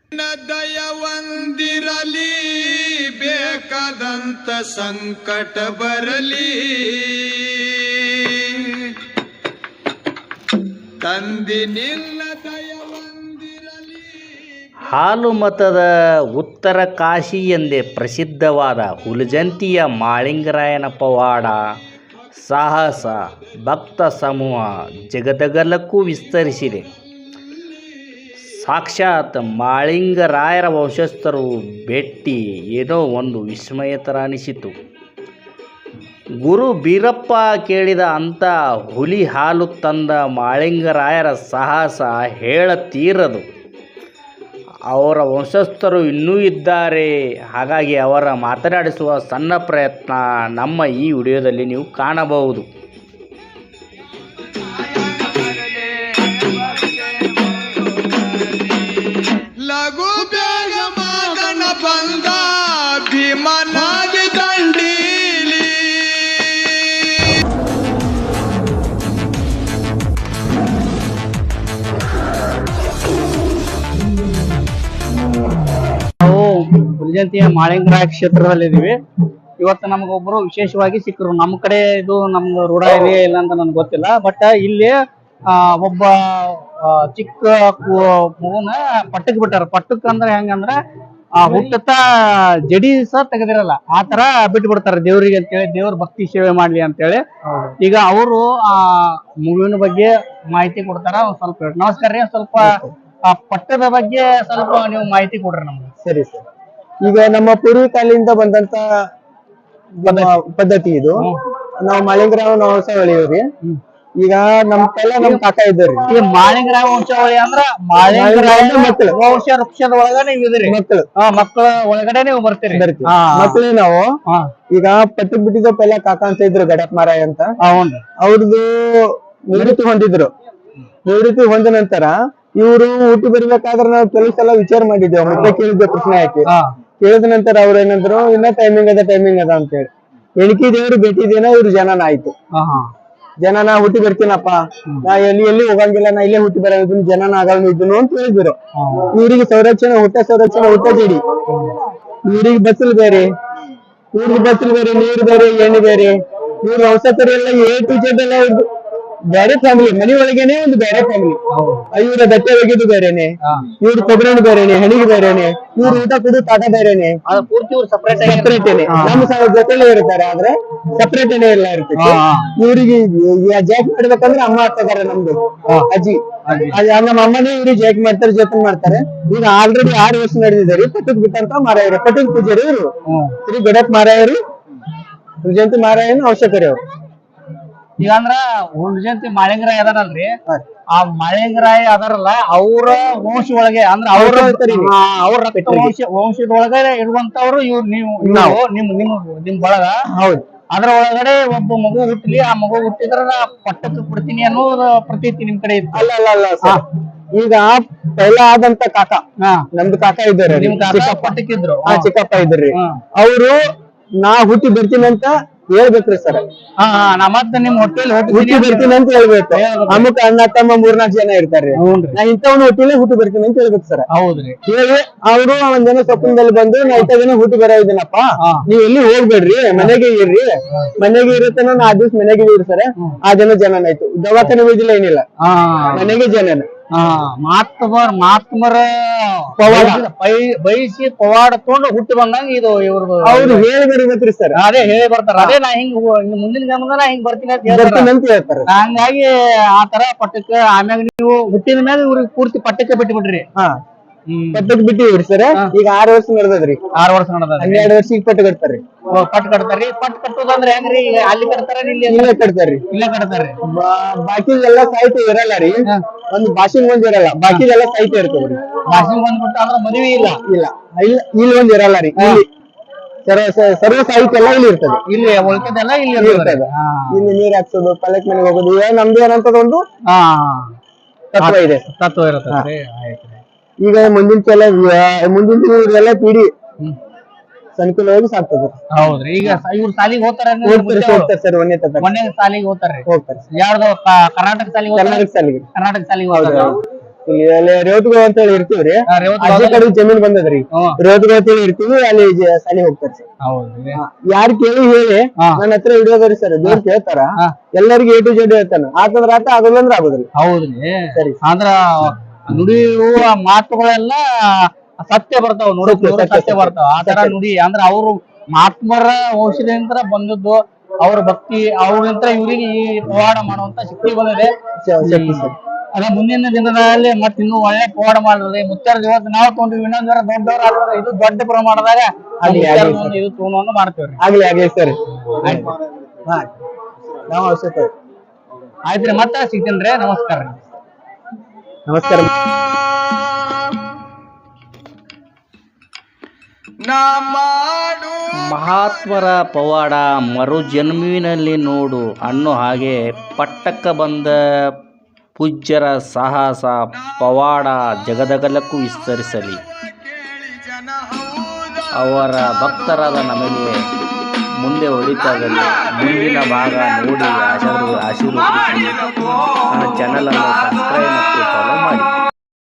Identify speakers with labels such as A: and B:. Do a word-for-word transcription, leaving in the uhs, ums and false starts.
A: ದಯವಂದಿರಲಿ ಬೇಕಾದಂತ ಸಂಕಟ ಬರಲಿ ತಂದಿನಿಲ್ಲ ದಯವಂದಿರಲಿ.
B: ಹಾಲುಮತದ ಉತ್ತರ ಕಾಶಿ ಎಂದೇ ಪ್ರಸಿದ್ಧವಾದ ಹುಲಜಂತಿಯ ಮಾಳಿಂಗರಾಯನ ಪವಾಡ ಸಾಹಸ ಭಕ್ತ ಸಮೂಹ ಜಗದಗಲಕ್ಕೂ ವಿಸ್ತರಿಸಿದೆ. ಸಾಕ್ಷಾತ್ ಮಾಳಿಂಗರಾಯರ ವಂಶಸ್ಥರು ಭೇಟಿ ಏನೋ ಒಂದು ವಿಸ್ಮಯ ಥರ ಅನಿಸಿತು. ಗುರು ಬೀರಪ್ಪ ಕೇಳಿದ ಅಂಥ ಹುಲಿ ಹಾಲು ತಂದ ಮಾಳಿಂಗರಾಯರ ಸಾಹಸ ಹೇಳತೀರದು. ಅವರ ವಂಶಸ್ಥರು ಇನ್ನೂ ಇದ್ದಾರೆ. ಹಾಗಾಗಿ ಅವರ ಮಾತನಾಡಿಸುವ ಸಣ್ಣ ಪ್ರಯತ್ನ ನಮ್ಮ ಈ ವಿಡಿಯೋದಲ್ಲಿ ನೀವು ಕಾಣಬಹುದು.
A: ಲಘು ಬೇಗ ಮಗನ ಬಂದ ಭೀಮನಾಗಿ ದಂಡೀಲಿ.
B: ನಾವು ಹುಲಜಂತಿಯ ಮಾಳಿಂಗರಾಯ ಕ್ಷೇತ್ರದಲ್ಲಿದ್ದೀವಿ. ಇವತ್ತು ನಮಗೊಬ್ಬರು ವಿಶೇಷವಾಗಿ ಸಿಕ್ಕರು. ನಮ್ಮ ಕಡೆ ಇದು ನಮ್ಗೆ ರೂಢ ಇದೆಯಾ ಇಲ್ಲ ಅಂತ ನನಗೆ ಗೊತ್ತಿಲ್ಲ. ಬಟ್ ಇಲ್ಲಿ ಆ ಒಬ್ಬ ಚಿಕ್ಕ ಮಗುನ ಪಟ್ಟಕ್ ಬಿಟ್ಟಾರ. ಪಟ್ಟಕ್ ಅಂದ್ರೆ ಹೆಂಗಂದ್ರ ಆ ಹುಟ್ಟತ್ತ ಜಡಿ ಸಹ ತೆಗೆದಿರಲ್ಲ, ಆ ತರ ಬಿಟ್ಟು ಬಿಡ್ತಾರ ದೇವ್ರಿಗೆ ಅಂತೇಳಿ, ದೇವ್ರ ಭಕ್ತಿ ಸೇವೆ ಮಾಡ್ಲಿ ಅಂತೇಳಿ. ಈಗ ಅವರು ಆ ಮಗುವಿನ ಬಗ್ಗೆ ಮಾಹಿತಿ ಕೊಡ್ತಾರ. ಒಂದ್ ಸ್ವಲ್ಪ ನಮಸ್ಕಾರ ರೀ. ಸ್ವಲ್ಪ ಆ ಪಟ್ಟದ ಬಗ್ಗೆ ಸ್ವಲ್ಪ ನೀವು ಮಾಹಿತಿ ಕೊಡ್ರಿ ನಮ್ಗೆ.
C: ಸರಿ ಸರ್. ಈಗ ನಮ್ಮ ಪೂರ್ವ ಕಾಲದಿಂದ ಬಂದಂತ ಪದ್ಧತಿ ಇದು. ನಾವು ಮಾಳಿಂಗರಾಯ ವಂಶಾವಳಿಯವ್ರಿ. ಈಗ ನಮ್ ಪೈಲ ನಮ್ ಕಾಕ ಇದ್ದಾರ್ರಿ.
B: ಈಗ ಮಾಳಿಂಗರಾಯ ವಂಶಾವಳಿ ಅಂದ್ರ ಮಾಳಿಂಗರಾಯ ಮಕ್ಕಳು ವಂಶ ವೃಕ್ಷದ ಒಳಗ ನೀವು ಇದ್ರಿ. ಮಕ್ಕಳು ಮಕ್ಕಳ ಒಳಗಡೆ ನೀವು ಬರ್ತೀರಿ.
C: ಮಕ್ಕಳು ನಾವು ಈಗ ಪಟ್ಟು ಬಿಟ್ಟಿದ್ದ ಪೈಲ ಕಾಕ ಅಂತ ಇದ್ರು ಗಡಪ್ ಮಾರಾಯ ಅಂತ. ಅವ್ರದ್ದು ನಿವೃತ್ತಿ ಹೊಂದಿದ್ರು. ನಿವೃತ್ತಿ ಹೊಂದ ನಂತರ ಇವ್ರು ಹುಟ್ಟಿ ಬರ್ಬೇಕಾದ್ರೆ ನಾವು ಕೆಲವು ಸಲ ವಿಚಾರ ಮಾಡಿದ್ದೇವೆ. ಮತ್ತೆ ಕೇಳಿದ್ದೆ ಪ್ರಶ್ನೆ ಹಾಕಿ. ಕೇಳಿದ ನಂತರ ಅವ್ರ ಏನಂದ್ರು, ಇನ್ನ ಟೈಮಿಂಗ್ ಅದ ಟೈಮಿಂಗ್ ಅದ ಅಂತ ಹೇಳಿ. ಎಣಕಿ ದೇವ್ರು ಭೇಟಿದೇನ ಇವ್ರು ಜನನ ಆಯ್ತು. ಜನ ನಾ ಹುಟ್ಟಿ ಬರ್ತೀನಪ್ಪ, ನಾ ಎಲ್ಲಿ ಎಲ್ಲಿ ಹೋಗಂಗಿಲ್ಲ, ನಾ ಇಲ್ಲೇ ಹುಟ್ಟಿ ಬರ ಜನನ ಆಗಲ್ಲ ಇದ್ದನು ಅಂತ ಹೇಳಿದ್ರು. ಇವ್ರಿಗೆ ಸಂರಕ್ಷಣೆ ಹುಟ್ಟ ಸಂರಕ್ಷಣೆ ಹುಟ್ಟ ಜಡಿ. ಇವ್ರಿಗೆ ಬಸ್ಸಲ್ ಬೇರೆ, ಇವ್ರಿಗೆ ಬಸ್ಸಲ್ ಬೇರೆ, ನೀರು ಬೇರೆ, ಎಣ್ಣೆ ಬೇರೆ. ಇವ್ರ ವಂಶಸ್ಥರು ಎಲ್ಲ ಎ ಟು ಜೆಡ್ ಎಲ್ಲ ಬೇರೆ ಫ್ಯಾಮಿಲಿ, ಮನಿ ಒಳಗೇನೆ ಒಂದು ಬೇರೆ ಫ್ಯಾಮಿಲಿ. ಇವ್ರ ದಟ್ಟೆ ಒಗಿದು ಬೇರೆನೆ, ಇವ್ರ ಕೊಬ್ಬರಿ ಬೇರೆನೆ, ಹಣಿಗೆ ಬೇರೆನೆ, ಇವ್ರ ಊಟ ಕುದು ತಾಟ ಬೇರೆನೆ, ಸಪ್ರೇಟೇನೆ. ನಮ್ಮ ಜೊತೆಲೆ ಇರ್ತಾರೆ, ಆದ್ರೆ ಸಪ್ರೇಟೇನೆ ಎಲ್ಲ ಇರ್ತೈತಿ. ಇವ್ರಿಗೆ ಜಾಕ್ ಮಾಡ್ಬೇಕಂದ್ರೆ ಅಮ್ಮ ಆಗ್ತದಾರೆ ನಮ್ದು ಅಜ್ಜಿ. ನಮ್ಮ ಅಮ್ಮನೇ ಇವ್ರಿಗೆ ಜಾಕ್ ಮಾಡ್ತಾರೆ, ಜೊತೆ ಮಾಡ್ತಾರೆ. ಈಗ ಆಲ್ರೆಡಿ ಆರು ವರ್ಷ ನಡೆದಿದ್ದಾರೆ. ಪಟ್ಟಕ್ ಬಿಟ್ಟಂತ ಮಾರಾಯರು, ಪಟ್ಟಕ್ ಪೂಜಾರಿ ಇವರು ಶ್ರೀ ಗಡಪ್ ಮಾರಾಯರು, ಜಯಂತಿ ಮಾರಾಯನ ಅವಶ್ಯಕರಿ ಅವ್ರು.
B: ಈಗ ಅಂದ್ರ ಹುಲಜಂತಿ ಮಾಳಿಂಗರಾಯ ಅದಾರಲ್ರಿ, ಆ ಮಾಳಿಂಗರಾಯ ಅದಾರಲ್ಲ ಅವ್ರ ವಂಶ ಒಳಗೆ ಅಂದ್ರ ಅವ್ರ ಅವ್ರ ವಂಶ ವಂಶದೊಳಗಡೆ ಇರುವಂತವ್ರು ಇವ್ರು. ನೀವು ನಿಮ್ ನಿಮ್ ನಿಮ್ ಬಳಗ. ಹೌದು. ಅದ್ರ ಒಳಗಡೆ ಒಬ್ಬ ಮಗು ಹುಟ್ಟಲಿ, ಆ ಮಗು ಹುಟ್ಟಿದ್ರ ಪಟ್ಟಕ್ಕೆ ಬಿಡ್ತೀನಿ ಅನ್ನೋದು ಪ್ರತೀತಿ ನಿಮ್ ಕಡೆ ಇತ್ತು.
C: ಅಲ್ಲ ಅಲ್ಲ ಅಲ್ಲ ಈಗ ಪೈಲ ಆದಂತ ಕಾಕ, ನಮ್ದು ಕಾಕ ಇದ್ದಾರೆ,
B: ನಿಮ್ ಕಾಕ ಪಟ್ಟಕ್ಕಿದ್ರು,
C: ಚಿಕ್ಕಪ್ಪ ಇದ್ರಿ. ಅವ್ರು ನಾ ಹುಟ್ಟಿ ಬರ್ತೀನಿ ಅಂತ ಹೇಳ್ಬೇಕ್ರಿ ಸರ್.
B: ಮತ್ತೆ ನಿಮ್ ಹೊಟ್ಟೆಲಿ
C: ಹುಟ್ಟಿ ಬರ್ತೀನಿ ಅಂತ ಹೇಳ್ಬೇಕು. ಅಮ್ಮಕ್ ಅಣ್ಣ ತಮ್ಮ ಮೂರ್ನಾಲ್ಕು ಜನ ಇರ್ತಾರೆ. ನಾ ಇಂಥವ್ನ ಹುಟ್ಟಿಲೆ ಹುಟ್ಟಿ ಬರ್ತೀನಿ ಅಂತ ಹೇಳ್ಬೇಕು ಸರ್.
B: ಹೌದ್ರಿ.
C: ಹೇಳಿ ಅವ್ರು ಒಂದ್ ಜನ ಸ್ವಪ್ನದಲ್ಲಿ ಬಂದು ನಾ ಇಂಥ ಜನ ಹುಟ್ಟಿ ಬರೋ ಇದೀನಪ್ಪ, ನೀವ್ ಎಲ್ಲಿ ಹೋಗ್ಬೇಡ್ರಿ, ಮನೆಗೆ ಇರ್ರಿ, ಮನೆಗೆ ಇರುತ್ತನ ನಾ ಆ ದಿವ್ಸ ಮನೆಗೆ ಇರ್ರಿ ಸರ್. ಆ ಜನ ಜನನ ಆಯ್ತು. ದವಾಖಾನೆ ಹೋಗಿಲ್ಲ, ಏನಿಲ್ಲ, ಮನೆಗೆ ಜನನ.
B: ಮಾತ್ಮರ್ ಮಾತ್ಮರ ಪವಾಡ ಬಯಸಿ ಪವಾಡ ತಗೊಂಡು ಹುಟ್ಟಿ ಬಂದಂಗ ಇದು ಇವ್ರದ್ದು.
C: ಅವ್ರು ಹೇಳಿ ಬರ್ಬೇಕ್ರಿ ಸರ್.
B: ಅದೇ ಹೇಳಿ ಬರ್ತಾರ. ಅದೇ ನಾ ಹಿಂಗ್ ಮುಂದಿನ ಜನ್ಮದ ನಾ ಹಿಂಗ್ ಬರ್ತೀನಿ ಅಂತ
C: ಹೇಳ್ತಾರೆ.
B: ಹಂಗಾಗಿ ಆ ತರ ಪಟ್ಟಕ್ಕೆ ಆಮ್ಯಾಗ ನೀವು ಹುಟ್ಟಿದ ಮ್ಯಾಗ ಇವ್ರಿಗೆ ಪೂರ್ತಿ ಪಟ್ಟಕ್ಕೆ ಬಿಟ್ಟು ಬಿಡ್ರಿ.
C: ಹಾ ಪಟ್ಟಕ್ ಬಿಟ್ಟಿವ್ರಿ ಸರ್. ಈಗ ಆರು ವರ್ಷ ನಡೆದದ್ರಿ.
B: ಆರು ವರ್ಷ ನಡೆದ
C: ಹನ್ನೆರಡು ವರ್ಷಕ್ಕೆ ಪಟ್ಟು ಕಟ್ತಾರ್ರಿ.
B: ಪಟ್ಟು ಕಟ್ತಾರ್ರಿ. ಪಟ್ಟು ಕಟ್ಟೋದಂದ್ರೆ ಹೆಂಗ್ರಿ? ಅಲ್ಲಿ ಕಟ್ತಾರ, ಇಲ್ಲಿ
C: ಇಲ್ಲೇ ಕಟ್ತಾರ್ರಿ.
B: ಇಲ್ಲೇ ಕಟ್ತಾರ್ರಿ.
C: ಬಾಕಿದೆಲ್ಲ ಸಾಹಿತ್ಯ ಇರಲ್ಲ ರೀ. ಒಂದು ಭಾಷೆಗೆ ಒಂದ್ ಇರಲ್ಲ, ಬಾಕಿದೆಲ್ಲ ಸಾಹಿತ್ಯ ಇರ್ತದ್ರಿ.
B: ಭಾಷೆಗೆ ಬಂದ್ಬಿಟ್ಟು ಅಂದ್ರೆ ಮದುವೆ ಇಲ್ಲ
C: ಇಲ್ಲ ಇಲ್ಲ ಇಲ್ಲಿ ಒಂದ್ ಇರಲ್ಲ ರೀ. ಇಲ್ಲಿ ಸರ್ವ ಸಾಹಿತ್ಯ ಎಲ್ಲ ಇಲ್ಲಿ ಇರ್ತದೆ.
B: ಇಲ್ಲಿ ಉಳ್ಕದೆಲ್ಲ ಇಲ್ಲಿ ಇರ್ತದೆ.
C: ಇಲ್ಲಿ ನೀರ್ ಹಾಕ್ಸೋದು, ಪಲ್ಲಕ್ ಮನೆಗೆ ಹೋಗೋದು, ಇವಾಗ ನಮ್ದು ಏನಂತದ ಒಂದು ತತ್ವ ಇದೆ,
B: ತತ್ವ ಇರುತ್ತೆ.
C: ಈಗ ಮುಂದಿನ ಕೆಲ ಮುಂದಿನ ಇವ್ರೆಲ್ಲ ಪೀಡಿ ಸಂಕುಲವಾಗಿ ಸಾಕ್ತದ.
B: ಹೌದ್ರಿ. ಈಗ ಇವ್ರು ಸಾಲಿಗೆ ಹೋಗ್ತಾರೆ
C: ಸರ್. ಒಂದೇ ತತ್ವ
B: ಒಂದೇ ಸಾಲಿಗೆ ಹೋಗ್ತಾರೆ.
C: ಹೋಗ್ತಾರೆ.
B: ಯಾರ್ದು ಕರ್ನಾಟಕ ಸಾಲಿಗೆ?
C: ಕರ್ನಾಟಕ ಸಾಲಿಗೆ.
B: ಕರ್ನಾಟಕ ಸಾಲಿಗೆ ಹೋಗ್ತಾರೆ.
C: ಇಲ್ಲಿ ಅಲ್ಲಿ ರೇವತ್ಗೋ ಅಂತ ಹೇಳಿ ಇರ್ತೀವ್ರಿ.
B: ಆ, ರೇವತ್ಗೋ
C: ಅಜ್ಜಿ ಕಡೆ ಜಮೀನ್ ಬಂದದ್ರಿ.
B: ಹ್ಮ್.
C: ರೇವತ್ಗೋ ಅಂತ ಹೇಳಿ ಇರ್ತೀವಿ, ಅಲ್ಲಿ ಜ- ಸಾಲಿ ಹೋಗ್ತಾರ ಸರ್.
B: ಹೌದ್ರಿ.
C: ಯಾರ್ ಕೇಳಿ ಹೇಳಿ
B: ಹಾ.
C: ನನ್ನ ಹತ್ರ ಹಿಡಿಯೋದ್ರಿ ಸರ್. ದೇವ್ರ ಕೇಳ್ತಾರ,
B: ಹಾ.
C: ಎಲ್ಲರಿಗೂ ಎ ಟು ಜೆಡ್ ಹೇಳ್ತಾನ. ಆತಂದ್ರ ಆತ, ಆಗೋದಂದ್ರ ಆಗೋದ್ರಿ.
B: ಹೌದ್ರಿ.
C: ಸರಿ.
B: ಅಂದ್ರ ನುಡಿಯುವ ಮಾತುಗಳೆಲ್ಲ ಸತ್ಯ ಬರ್ತಾವ, ನುಡಿ
C: ಸತ್ಯ, ಸತ್ಯ,
B: ಸತ್ಯ
C: ಸತ್ಯ.
B: ಬರ್ತಾವ. ಆ ತರ ನುಡಿ ಅಂದ್ರ ಅವ್ರು ಮಹಾತ್ಮರ ವಂಶದಿಂದ ಬಂದದ್ದು, ಅವ್ರ ಭಕ್ತಿ ಅವ್ರಿಂದ ಇವ್ರಿಗೆ ಈ ಪವಾಡ ಮಾಡುವಂತ ಶಕ್ತಿ ಬಂದಿದೆ.
C: ಸ- ಸತ್ಯ ಸರ್.
B: ಅದ ಮುಂದಿನ ದಿನಗಳಲ್ಲಿ ಮತ್ತೆ ಇನ್ನೂ ಒಳ್ಳೆ ಪವಾಡ ಮಾಡಿದ್ರೆ ಮುತ್ತರ ಇವತ್ತು ನಾವು ತೊಗೊಂಡ್ವಿ, ಇನ್ನೊಂದ್ ಜರ ದೊಡ್ಡವ್ರ ಆದ್ರೆ ಇದು ದೊಡ್ಡ ಪ್ರಮಾಣದಾಗ
C: ಆಗ್ಲಿ,
B: ಮುತ್ಯಾರ
C: ಆಗ್ಲಿ
B: ಒಂದು ಇದು ತೊಗೊಂಡು ಮಾಡ್ತೇವ್ರಿ.
C: ಆಗ್ಲಿ ಆಗ್ಲಿ ಸರ್. ಹಾ, ನಾವು ಅವಶ್ಯಕ.
B: ಆಯ್ತ್ರಿ, ಮತ್ತೆ ಸಿಗ್ತೇನ್ರಿ. ನಮಸ್ಕಾರ.
C: ನಮಸ್ಕಾರ.
A: ನಾ ಮಾಡು
B: ಮಹಾತ್ಮರ ಪವಾಡ ಮರು ಜನ್ಮವಿನಲ್ಲಿ ನೋಡು ಅನ್ನೋ ಹಾಗೆ ಪಟ್ಟಕ್ಕ ಬಂದ ಪೂಜ್ಯರ ಸಾಹಸ ಪವಾಡ ಜಗದಗಲಕ್ಕೂ ವಿಸ್ತರಿಸಲಿ.
A: ಕೇಳಿ ಜನ ಹೌದ
B: ಅವರ ಭಕ್ತರಾದ ನಮಗೆ ಮುಂದೆ ಒಳಿತಾಗಲಿ. ಮುಂದಿನ ಭಾಗ ನೋಡಿ ಆಶೀರ್ವ ಆಶೀರ್ವದಿಸಿ. ನನ್ನ ಚಾನಲನ್ನು ಸಬ್ಸ್ಕ್ರೈಬ್ ಮತ್ತು ಫಾಲೋ ಮಾಡಿ.